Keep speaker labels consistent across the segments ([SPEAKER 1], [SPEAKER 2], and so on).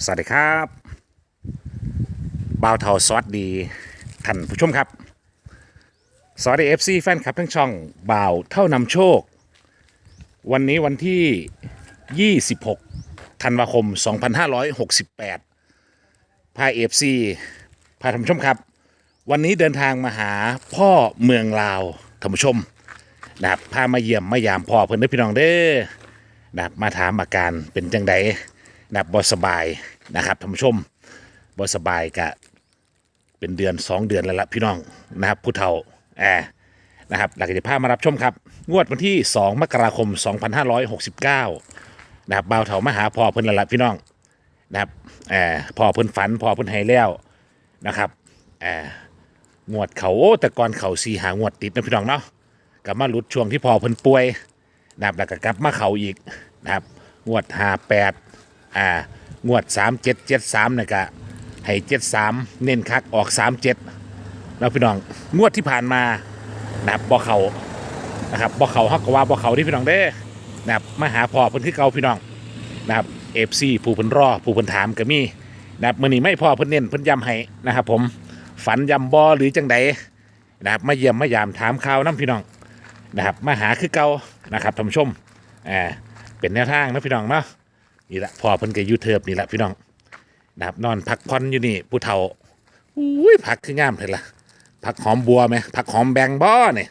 [SPEAKER 1] สวัสดีครับบ่าวเทาสวัสดีท่านผู้ชมครับสวัสดีFCแฟนคลับทั้งช่องบ่าวเท่านำโชควันนี้วันที่ 26 ธันวาคม 2568 พา FC พาท่านผู้ชมครับวันนี้เดินทางมาหาพ่อเมืองลาวท่านผู้ชมนะครับพามาเยี่ยมมายามพ่อเพิ่นเด้อพี่น้องเด้อนะครับมาถามอาการเป็นจังไดนะครับบ่สบายนะครับท่านผู้ชมบ่สบายกะเป็นเดือน2 เดือนแล้วล่ะพี่น้องนะครับผู้เฒ่านะครับหลักจะพามารับชมครับงวดวันที่2 มกราคม 2569นะครับบ่าวเฒ่ามาหาพ่อเพิ่นแล้วล่ะพี่น้องนะครับพ่อเพิ่นฝันพ่อเพิ่นให้แล้วนะครับงวดเขาแต่ก่อนเขา4 5 งวดติดนะพี่น้องเนาะกลับมาหลุดช่วงที่พ่อเพิ่นป่วยนะครับแล้วก็กลับมาเขาอีกนะครับงวด58งวด3773เนี่ยก็ให้73เน้นคักออก37แล้วพี่น้องงวดที่ผ่านมานะครับบ่เขานะครับบ่เขาเฮาก็ว่าบ่เขาที่พี่น้องเด้นะครับมาหาพ่อเพิ่นคือเก่าพี่น้องนะครับ FC ผู้เพิ่นรอผู้เพิ่นถามก็มีนะครับมื้อนี้ไม่พ่อเพิ่นเน้นเพิ่นย้ำให้นะครับผมฝันย้ำบ่หรือจังใดนะครับมาเยี่ยมมายามถามข่าวนํพี่น้องนะครับมาหาคือเก่านะครับท่านผู้ชมเป็นแนวทางนะพี่น้องเนาะนี่แหละพ่อเพิ่นก็อยู่เทิบนี่แหละพี่น้องนะครับนอนพักผ่อนอยู่นี่ผู้เฒ่าอุ้ยผักคืองามเลยล่ะผักหอมบัวไหมผักหอมแบงบ่เนี่ย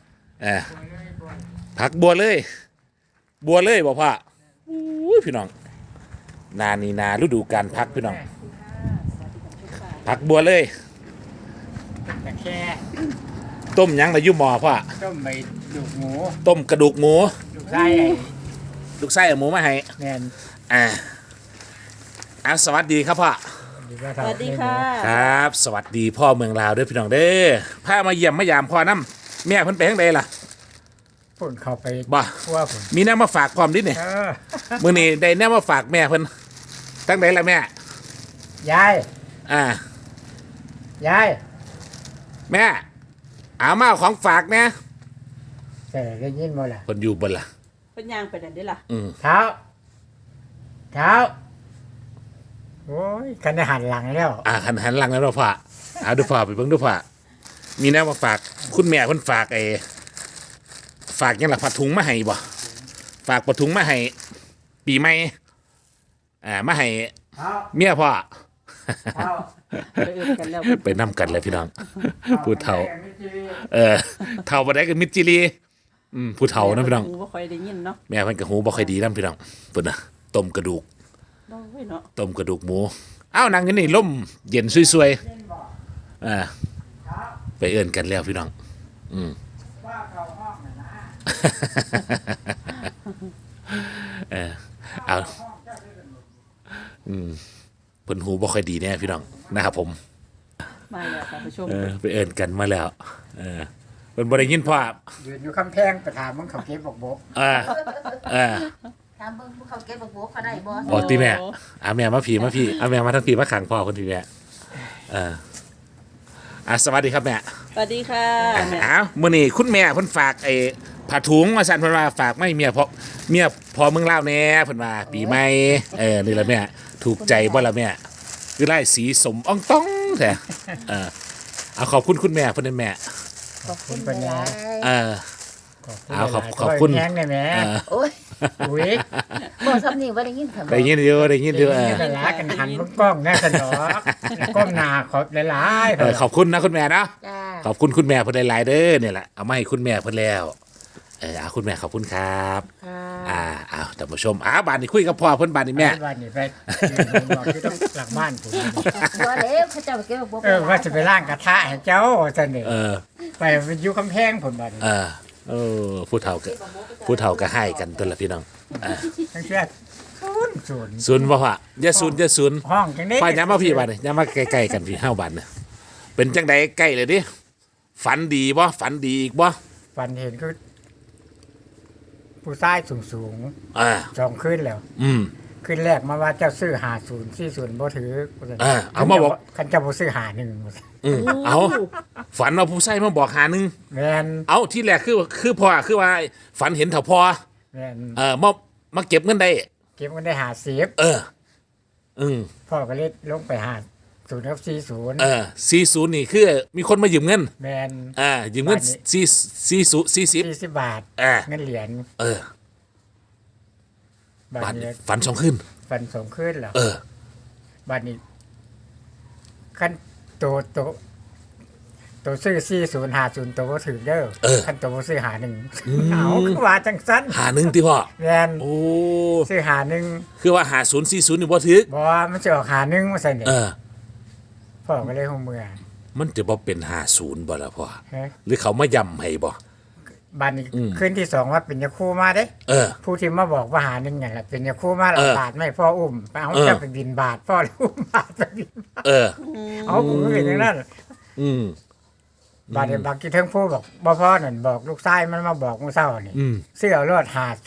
[SPEAKER 1] ผักบัวเลยบอกพ่ออุ้ยพี่น้องนานี่นาฤดูกาลพักพี่น้องผักบัวเลย
[SPEAKER 2] แค่
[SPEAKER 1] ต้มยังในยุ่หมอพ่อ
[SPEAKER 2] ต้มใบดูกหมู
[SPEAKER 1] ต้มกระดูกหมู
[SPEAKER 2] ดูกไส้
[SPEAKER 1] ลูกไส้เอาหมูมาให้
[SPEAKER 2] แมน
[SPEAKER 1] สวัสดีครับพ่อ
[SPEAKER 3] สวัสดีค่ะ
[SPEAKER 1] ครับสวัสดีพ่อเมืองลาวด้วยพี่น้องเด้อพามาเยี่ยมมายามพ่อน้ำแม่เพิ่นไปทางใดล่ะ
[SPEAKER 2] พ่นเข้าไป
[SPEAKER 1] บ่
[SPEAKER 2] ว่าผม
[SPEAKER 1] มีแนวมาฝากพร้อมดิเนี่ยมื้อนี้ได้แนวมาฝากแม่เพิ่นทางใดล่ะแม่
[SPEAKER 2] ยายยาย
[SPEAKER 1] แม่เอามาของฝากเนี่ย
[SPEAKER 2] แต่ได้ยินบ่ล่ะ
[SPEAKER 1] เพิ่นอยู่บ่ล่ะ
[SPEAKER 3] เป็นยางไปนั่นได้ล่ะ
[SPEAKER 2] เท้าโอ้ยคันหันหลังแล้ว
[SPEAKER 1] คันหันหลังแล้วพ่อเอาดูพ่อไปเบิ่งดูพ่อมีแนวมาฝากคุณแม่เพิ่นฝากฝากยังล่ะผ้าถุงมาให้บ่ฝากผ้าถุงมาให้ปีใหม่มาให้เมียพ่อไปนำกันเลยพี่น้องผู้เฒ่าเฒ่าบ่ได้กับมิตรจิรีผู้เฒ่านะพี่น้อง
[SPEAKER 3] หูบ่ค่อยได้ยินเนาะ
[SPEAKER 1] แม่เพิ่นก็หูบ่ค่อยดีนำพี่น้องเพิ่นน่ะต้มกระดูกต้มกระดูกหมูนั่งกันนี่ลมเย็นสวยๆไปเอิ้นกันแล้วพี่น้องเอาเพิ่นหูบ่ค่อยดีแน่พี่น้องนะครับผม
[SPEAKER 3] มาแล้วค่ะผู้ชม
[SPEAKER 1] ไปเอิ้นกันมาแล้วเพิ่นบ่ได้ยินพ่อ
[SPEAKER 2] ยืนอยู่คำแพงไปถามมึงเขาเก็บบอก
[SPEAKER 4] ถามเบิ่งเขาเก็บบักบัวเขาได้บ่
[SPEAKER 1] อ๋อติแม่แม่มาพี่แม่มาทั้งพี่มาขังพ่อคนพี่แม่สวัสดีครับแม่
[SPEAKER 3] สวัสดีค่ะ
[SPEAKER 1] มื้อนี้คุณแม่เพิ่นฝากผ้าถุงมาสั่นเพิ่นว่าฝากไม่เมียพอเมืองลาวแน่เพิ่นว่าปีใหม่นี่ล่ะแม่ถูกใจบ่ล่ะแม่คือไล่สีสมอ่องต้องแท้เอาขอบคุณคุณแม่เพิ่นได้แม่
[SPEAKER 2] ขอบคุณเป็นไง
[SPEAKER 1] ขอบคุณ
[SPEAKER 2] แห้งได้แม่
[SPEAKER 4] โอ้ยบ่ซ้ำนี่บ่ได้ยินค่ะ
[SPEAKER 1] ได้ยินอยู่
[SPEAKER 2] กันละกันหันกล้องแน่สนอกกล้องหน้าขอบหลาย
[SPEAKER 1] ๆขอบคุณนะคุณแม่เนาะขอบคุณคุณแม่เพิ่นหลายๆเด้อเนี่ยแหละเอามาให้คุณแม่เพิ่นแล้วคุณแม่ขอบคุณครับท่านผู้ชมบ้านนี้คุยกับพ่อเพิ่นบ้านนี้แม่
[SPEAKER 2] บ้านนี้ไปบอกที่ต้องหลังบ้านผม
[SPEAKER 4] บ่แล้วเขาเจ้าเก็บบัว
[SPEAKER 2] ว่าจะไปล้างกระทะให้เจ้าซั่นนี่ไปอยู่กำแพงผมบ้าน
[SPEAKER 1] ผู้เฒ่าก็ให้กันตัวละพี่น้อง
[SPEAKER 2] ทั้งเชื่อ
[SPEAKER 1] ศูนย์บ่พ่ออย่าศูนย์
[SPEAKER 2] ห้องจังได๋
[SPEAKER 1] พ่อย้ำมาพี่บ้านนี่ย้ำมาใกล้ๆกันพี่เฮาบ้านน่ะเป็นจังได๋ใกล้เลยดิฝันดีบ่ฝันดีอีกบ่
[SPEAKER 2] ฝันเห็นคือผู้ชายสูง2คืนแล้วคืนแรกมาว่าเจ้าซื้อ50 40บ่ถือ
[SPEAKER 1] เอามาบอก
[SPEAKER 2] คันเจ้าบ่ซื้อ51
[SPEAKER 1] เอาฝันว่าผู้ชายมาบอก51
[SPEAKER 2] แม่น
[SPEAKER 1] เอาที่แรกคือพ่อคือว่าฝันเห็นเฒ่าพ่อ
[SPEAKER 2] แม่น
[SPEAKER 1] มาเก็บเงินได้
[SPEAKER 2] 50 พ่อก็เลยลงไปหา0กับ40
[SPEAKER 1] 40นี่คือมีคนมายืมเงิน
[SPEAKER 2] แมน
[SPEAKER 1] ยืมเงิน
[SPEAKER 2] บาทนี้
[SPEAKER 1] 40
[SPEAKER 2] 40 บาท เงินเหรียญ บา
[SPEAKER 1] บา
[SPEAKER 2] ท
[SPEAKER 1] ท
[SPEAKER 2] นี้
[SPEAKER 1] ฝันสองขึ้น
[SPEAKER 2] ฟันส่งขึ้นแล้ว บาทนี้ขั้นตัวซื้อ4050ตัวบ่ถือเด้อขั้นตัวบ่ซื้อหาหนึ่งเอาคือว่าจังซั่น
[SPEAKER 1] หาหนึ่งที่พ่อ
[SPEAKER 2] แม่น
[SPEAKER 1] โอ้
[SPEAKER 2] ซื้อหาหนึ่ง
[SPEAKER 1] คือว่าหา040นี่บ่ถึก
[SPEAKER 2] บ่มันสิออกหาหนึ่งว่าซั่นเนี่ยพ่อก็เลยฮู้เมื่อ
[SPEAKER 1] มันจะบ่เป็น50บ่ล่ะพ่อ
[SPEAKER 2] ฮะ
[SPEAKER 1] หรือเขามาย้ำให้บ่
[SPEAKER 2] บาทนี้คืนที่สองว่าเป็นยาคูมาเด้ ผู้ที่มาบอกว่าหาหนึ่งเนี่ยแหละเป็นยาคู่มาเราบาทไม่พ่ออุ้มไปเอาเจ้าไปบินบาทพ่อเลยอุ้มบาทไปบินบาทเอาผมก็เป็นอย่างนั้นบาทเดียวบางทีเทิงผู้บอกบ่พ่อนั่นบอกลูกชายมันมาบอกมื้อเช้านี่เสื้อรอด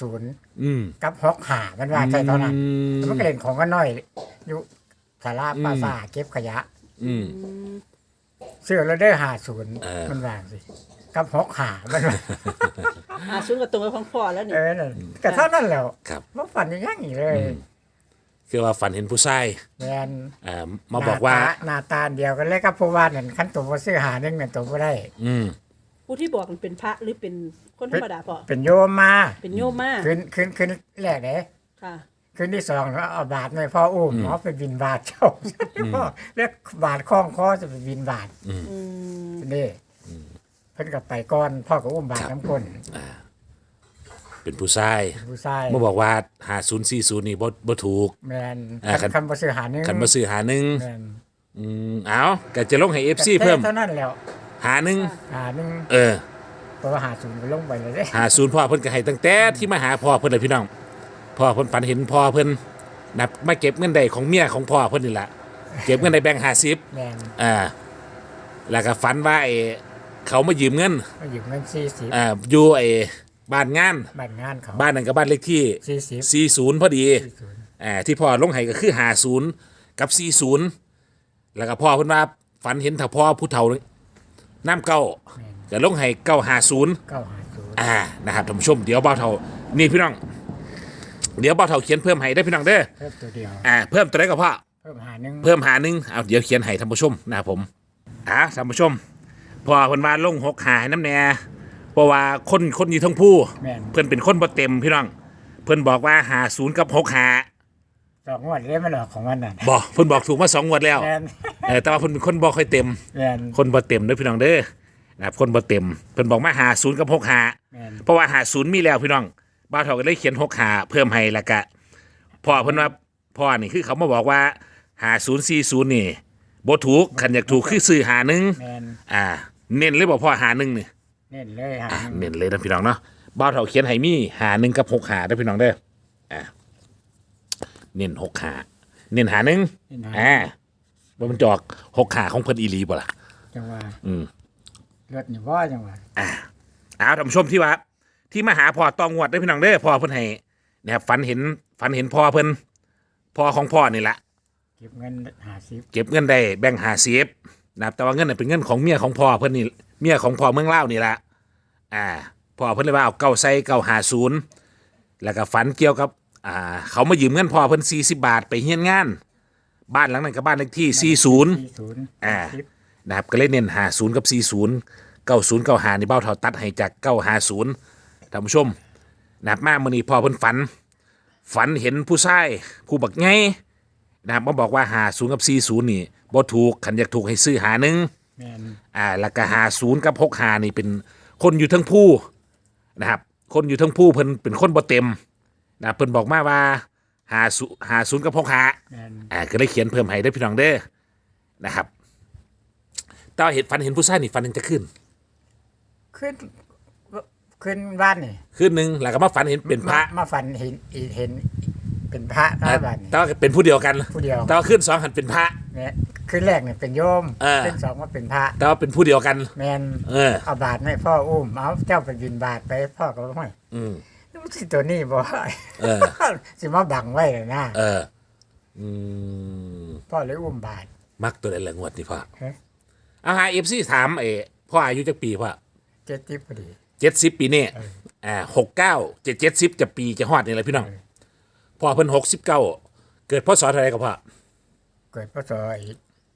[SPEAKER 2] 50กับ65มันว่าใช่เท่านั้นมันก็เล่นของกันน้อยอยู่ศาลาปราสาทเก็บขยะเสื้อรอดได้50มันว่าสิกับ65มันว่า
[SPEAKER 3] ชุดกับตรงกับของพ่อแล้วนี่
[SPEAKER 2] นั่นก็เท่านั้นแหล้ว
[SPEAKER 1] ครับ
[SPEAKER 2] บ่ฝันอย่างนี้เลย
[SPEAKER 1] คือว่าฝันเห็นผู้ชาย
[SPEAKER 2] แม่น
[SPEAKER 1] มาบอกว่า
[SPEAKER 2] หน้าตาเดียวกันเลยกับผู้ว่านั่นคันตัวบ่ซื้อหาหนึงนั่นตัวบ่ได้
[SPEAKER 3] ผู้ที่บอกมันเป็นพระหรือเป็นคนธรรมดาพ่อ
[SPEAKER 2] เป็นโยมมา
[SPEAKER 3] เป็นโยมมา
[SPEAKER 2] ขึ้นแรกเด้
[SPEAKER 3] ค่ะ
[SPEAKER 2] ขึ้นที่สองก็เอาบาทให้พ่ออุ้มเอาไปบินบาทเจ้าพ่อเรียกบาทคล้องคอจะไปบินบาทนี่เพิ่นก็ไปก่อนพ่อก็อุ้มบาทน้ำคน
[SPEAKER 1] เป็นผู้ชาย
[SPEAKER 2] ผู้ชาย
[SPEAKER 1] มาบอกว่า5040นี่บ่ถูก
[SPEAKER 2] แม่น
[SPEAKER 1] คัน
[SPEAKER 2] คันบ่ซื้อหาหนึง
[SPEAKER 1] คันมาซื้อหาหนึ่ง
[SPEAKER 2] แม่น
[SPEAKER 1] เอาก็จะลงให้ FC เพิ่ม
[SPEAKER 2] เท่านั้นแล้ว
[SPEAKER 1] หาหนึ่ง
[SPEAKER 2] หาหนึง เพราะว่าหา0ก็ลงไปเลยเด้
[SPEAKER 1] หาศูนย์พ่อเพิ่นก็ให้ตั้งแต่ที่มาหาพ่อเพิ่นเลยพี่น้องพ่อเพิ่นฝันเห็นพ่อเพิ่นนับมาเก็บเงินได้ของเมียของพ่อเพิ่นนี่ล่ะเก็บเงินได้แบ่ง50
[SPEAKER 2] แม่น
[SPEAKER 1] แล้วก็ฝันว่าไอ้เขามายืมเงิน
[SPEAKER 2] มาอยู่เงิน40
[SPEAKER 1] อยู่ไอ้บ้านงาน
[SPEAKER 2] บ้านงานเขา
[SPEAKER 1] บ้านนั้นก็บ้านเลขที่40พอดีที่พ่อลงให้ก็คือ50กับ40แล้วก็พ่อเพิ่นว่าฝันเห็นถ้าพ่อผู้เฒ่าน้ำเก้าก็ลงให้950
[SPEAKER 2] 950
[SPEAKER 1] นะครับท่านผู้ชมเดี๋ยวเบาเท่านี่พี่น้องเดี๋ยวเบาเท่าเขียนเพิ่มให้ได้พี่น้องเด้อ
[SPEAKER 2] เพิ่มตัวเดียว
[SPEAKER 1] เพิ่มตัวไหนก็พ่อ
[SPEAKER 2] เพิ่มหาหนึง
[SPEAKER 1] เพิ่มหาหนึ่งเอาเดี๋ยวเขียนให้ท่านผู้ชมนะครับผมท่านผู้ชมพอเพิ่นว่าลง6หาให้น้ำแน่เพราะว่าคนอยู่ทั้งผู้
[SPEAKER 2] แม่น
[SPEAKER 1] เพิ่นเป็นคนบ่เต็มพี่น้องเพิ่นบอกว่าหา0กับ6หา
[SPEAKER 2] 2งวดเลยมันออกของมันน่ะ
[SPEAKER 1] บ่เพิ่นบอกถูกมา2งวดแล้ว
[SPEAKER 2] แม่น
[SPEAKER 1] แต่ว่าเพิ่นเป็นคนบ่ค่อยเต็ม
[SPEAKER 2] แม่น
[SPEAKER 1] คนบ่เต็มเด้อพี่น้องเด้อนะครับคนบ่เต็มเพิ่นบอกมาหา0กับ6หา
[SPEAKER 2] แม่น
[SPEAKER 1] เพราะว่าหา0มีแล้วพี่น้องบ้าวเฒ่าก็เลยเขียน6หาเพิ่มให้แล้วก็พ่อเพิ่นว่าพ่อนี่คือเขามาบอกว่าหา040นี่บ่ถูกคันอยากถูกคือซื้อหาหนึ่ง
[SPEAKER 2] แม่น
[SPEAKER 1] เน้นเลยบอกพ่อหาหนึ่งนี่
[SPEAKER 2] เน้นเลยหาหนึ่ง
[SPEAKER 1] เน้นเลยนะพี่น้องเนาะบ้าวเฒ่าเขียนให้มีหาหนึ่งกับ6หาได้อพี่น้องเด้อเน้น6หาเน้นหาหนึ่งว่ามันจอก6หาของเพิ่นอีหลีบ่ล่ะ
[SPEAKER 2] จังหวะรถนี่บ่จังหวะ
[SPEAKER 1] ท่านผู้ชมที่ว่าที่มาหาพ่อตองวดได้อพี่น้องเด้อพ่อเพิ่นให้นะครับฝันเห็นพ่อเพิ่นพ่อของพ่อนี่แหละ
[SPEAKER 2] เก็บเงิน50
[SPEAKER 1] เก็บเงินได้แบ่ง50นะครับแต่ว่าเงินน่ะเป็นเงินของเมียของพ่อเพิ่นนี่เมียของพ่อเมืองลาวนี่แหละพ่อเพิ่นเลยว่าเอา9ใส่950แล้วก็ฝันเกี่ยวกับเขามายืมเงินพ่อเพิ่น40 บาทไปเฮียนงานบ้านหลังนั้นก็บ้านเลขที่40นะครับก็เลยเน้น50กับ40 90 95นี่เบ้าเท่าตัดให้จาก950ท่านผู้ชมนะครับมามื้อนี้พ่อเพิ่นฝันเห็นผู้ชายผู้บักไงนะครับมาบอกว่า50กับ40นี่บ่ถูกคันอยากถูกให้ซื้อหาหนึ่ง
[SPEAKER 2] แม่น
[SPEAKER 1] แล้วก็50กับ65นี่เป็นคนอยู่ทั้งผู้นะครับคนอยู่ทั้งผู้เพิ่นเป็นคนบ่เต็มนะเพิ่นบอกมาว่า50กับ65
[SPEAKER 2] แม่น
[SPEAKER 1] ก็เลยเขียนเพิ่มให้ได้อพี่น้องเด้อนะครับตอนฝันเห็นผู้ชายนี่ฝันเห็นจะขึ้น
[SPEAKER 2] ขึ้นบ้านนี่
[SPEAKER 1] คืนหนึงแล้วก็มาฝันเห็นเป็นพระ
[SPEAKER 2] มาฝันเห็นเป็นพระบ้านนี่
[SPEAKER 1] แต่ว่าเป็นผู้เดียวกัน
[SPEAKER 2] ผู้เดียว
[SPEAKER 1] แต่ว่าขึ้น2หันเป็นพระ
[SPEAKER 2] เนี่ยขึ้นแรกเนี่ยเป็นโยมขึ้นสองว่าเป็นพระ
[SPEAKER 1] แต่ว่าเป็นผู้เดียวกัน
[SPEAKER 2] แม่นเอาบาทให้พ่ออุ้มเอาเจ้าไปบินบาทไปพ่อก็บ่ให้นี่มันสิตัวนี้บ่สิมาบังไว้เลยนะพ่อเลยอุ้มบาท
[SPEAKER 1] มักตัวใดละงวดนี่พ่อ
[SPEAKER 2] ฮะ
[SPEAKER 1] เอาหา FC ถามพ่ออายุจักปีพ่อ
[SPEAKER 2] 70พอดี
[SPEAKER 1] 70ปีนี่69 70จะปีจะฮอดนี่แหละพี่น้องพ่อเพิ่น69เกิดพศเท่าไหร่ก็พ่อ
[SPEAKER 2] เกิดพศอีก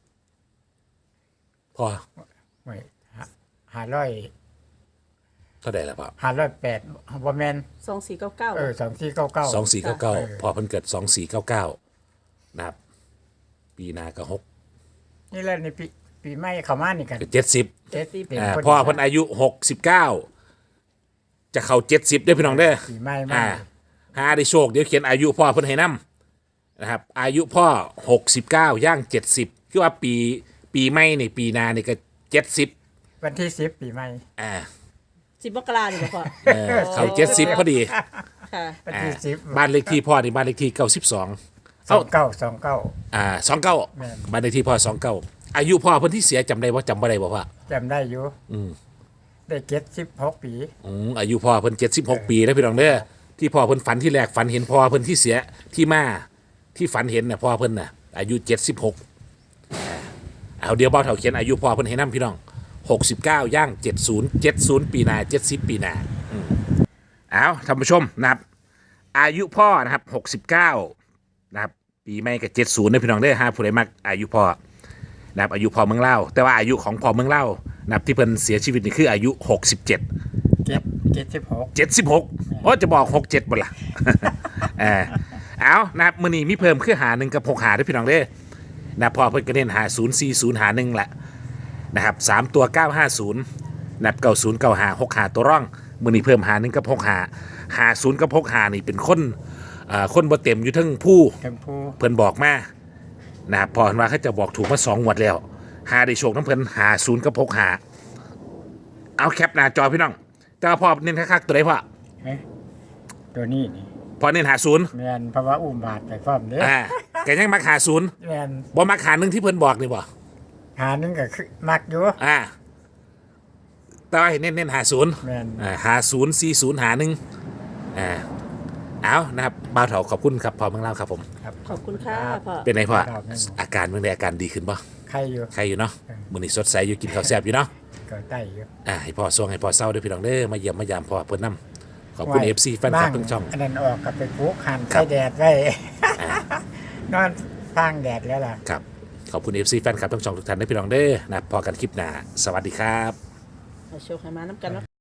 [SPEAKER 1] พ่อ
[SPEAKER 2] ไม่500
[SPEAKER 1] เท่าไหร่ละพ่อ
[SPEAKER 2] 508บ่แม่น
[SPEAKER 3] 2499
[SPEAKER 2] 2499
[SPEAKER 1] 2499พ่อเพิ่นเกิด2499นะครับปีหน้าก็6
[SPEAKER 2] นี่แหละในปีใหม่เข้ามานี่กัน
[SPEAKER 1] ก็70
[SPEAKER 2] เป็นคน
[SPEAKER 1] พ่อเพิ่นอายุ69จะเข้า70เด้อพี่น้องเด้อ
[SPEAKER 2] ปีใหม่มา
[SPEAKER 1] หาได้โชคเดี๋ยวเขียนอายุพ่อเพิ่นให้นํนะครับอายุพ่อ69ย่าง70คือว่าปีใหม่นี่ปีหน้านี่ก็70
[SPEAKER 2] วันที่10ปีใหม่
[SPEAKER 3] 10 มกราคมนี่บ่พ่อ
[SPEAKER 1] เข้า70พอดี
[SPEAKER 3] ค่ะ
[SPEAKER 2] วันที่10
[SPEAKER 1] บ้านเลขที่พ่อนี่บ้านเลขที่92
[SPEAKER 2] 29
[SPEAKER 1] 29
[SPEAKER 2] แม่น
[SPEAKER 1] บ้านเลขที่พ่อ29อายุพ่อเพิ่นที่เสียจำได้บ่จำบ่ได้บ่พ่อ
[SPEAKER 2] จำได้อยู่ได้76ปี
[SPEAKER 1] อายุพ่อเพิ่น76 ปีแล้วพี่น้องเด้อที่พ่อเพิ่นฝันที่แรกฝันเห็นพ่อเพิ่นที่เสียที่มาที่ฝันเห็นน่ะพ่อเพิ่นน่ะอายุ76เอาเดี๋ยวบ่าวเฒ่าเขียนอายุพ่อเพิ่นให้นํพี่น้อง69ย่าง70ปีหน้า70ปีหน้าเอาท่านผู้ชมนะครับอายุพ่อนะครับ69นะครับปีใหม่ก็70นะพี่น้องเด้อหาผู้ใดมักอายุพ่อนะครับอายุพ่อเมืองเล่าวแต่ว่าอายุของพ่อเมืองเล่าวนะครับที่เพิ่นเสียชีวิตนี่คืออายุ67 76โอ้จะบอก67บ่ล่ะ เอานะครับมื้อนี้มีเพิ่มคือหา1กับ6หาด้วยพี่น้องเด้อนะพอเพิ่นก็เน้นหา040หา1แหละนะครับ3ตัว950นะครับ90 95 6หาตัวร่องมื้อนี้เพิ่มหา1กับ6หา50กับ6หานี่เป็นคนบ่เต็มอยู่ทั้งผู้
[SPEAKER 2] ชมพู
[SPEAKER 1] เพิ่นบอกมานะครับพอเห็นว่าเขาจะบอกถูกมา2งวดแล้วหาได้โชคน้ำเพิ่นหา0กับ6หาเอาแคปหน้าจอพี่น้องแต่ว่าพอเน้นคักๆตัวใดพ่อ
[SPEAKER 2] เอ๊ะตัวนี้นี่
[SPEAKER 1] พอเน้นหา0
[SPEAKER 2] แม่นเพราะว่าอุ้มบาทไปพร้อมเด้
[SPEAKER 1] แกยังมักหา0
[SPEAKER 2] แม่น
[SPEAKER 1] บ่มักหา1ที่เพิ่นบอกนี่บ่
[SPEAKER 2] หานึงก็คือมักอยู่
[SPEAKER 1] แต่ว่าให้เน้นหา0
[SPEAKER 2] แม่น
[SPEAKER 1] หา040หา1เอานะครับบ่าวเฒ่าขอบคุณครับพ่อเมืองลาวครับผม
[SPEAKER 3] ขอบคุณค่ะพ่อ
[SPEAKER 1] เป็นไงพ่อ
[SPEAKER 2] ครับ
[SPEAKER 1] อาการเมื่อใดอาการดีขึ้นบ่
[SPEAKER 2] ใครอยู่
[SPEAKER 1] ใครอยู่เนาะมื้อนี้สดใสอยู่กินข้าวแซ่บอยู่เนาะ
[SPEAKER 2] ก็ได้อยู่
[SPEAKER 1] ให้พ่อส่งให้พ่อเศร้าด้วยพี่น้องเด้อมาเยี่ยมมายามพ่อเพิ่นนํขอบคุณ FC แฟนคลับทุกช่อง
[SPEAKER 2] อันนั้นออกกับไปปลูกหัน
[SPEAKER 1] ครั
[SPEAKER 2] ใส่
[SPEAKER 1] บ
[SPEAKER 2] แดดไว้ นอนทางแดดแล้วล่ะ
[SPEAKER 1] ครับขอบคุณ FC แฟนคลับทั้งช่องทุกท่านด้วยพี่น้องเด้อนะพอกันคลิปหน้าสวัสดีครับ
[SPEAKER 3] เอาโชคให้มาน้ำกันเนาะ